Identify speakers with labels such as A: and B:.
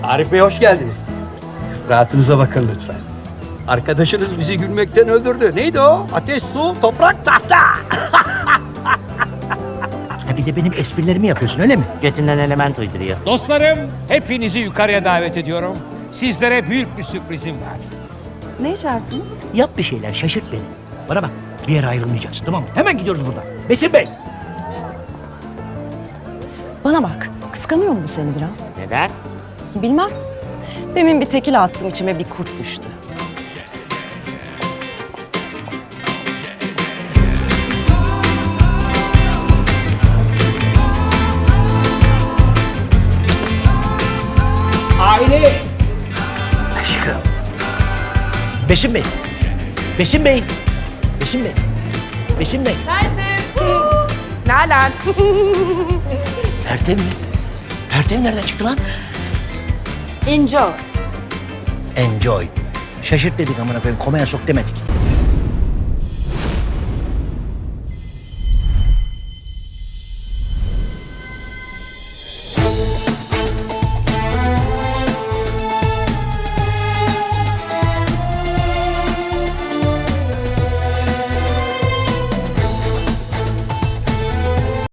A: Arif Bey hoş geldiniz. Rahatınıza bakın lütfen. Arkadaşınız bizi gülmekten öldürdü. Neydi o? Ateş, su, toprak, tahta.
B: Ha bir de benim esprilerimi yapıyorsun öyle mi?
C: Götünden element uyduruyor.
D: Dostlarım, hepinizi yukarıya davet ediyorum. Sizlere büyük bir sürprizim var.
E: Ne içersiniz?
B: Yap bir şeyler şaşırt beni. Bana bak bir yere ayrılmayacaksın tamam mı? Hemen gidiyoruz buradan. Besim Bey.
E: Bana bak. Kıskanıyor mu bu seni biraz?
C: Neden?
E: Bilmem. Demin bir tekil attım içime bir kurt düştü.
B: Aile. Aşkım. Besim Bey. Besim Bey. Besim Bey. Besim Bey.
C: Nalan.
B: Pertev mi? Pertev nereden çıktı lan?
E: Enjoy.
B: Enjoy. Şaşırt dedik amına koyayım. Komaya sok demedik.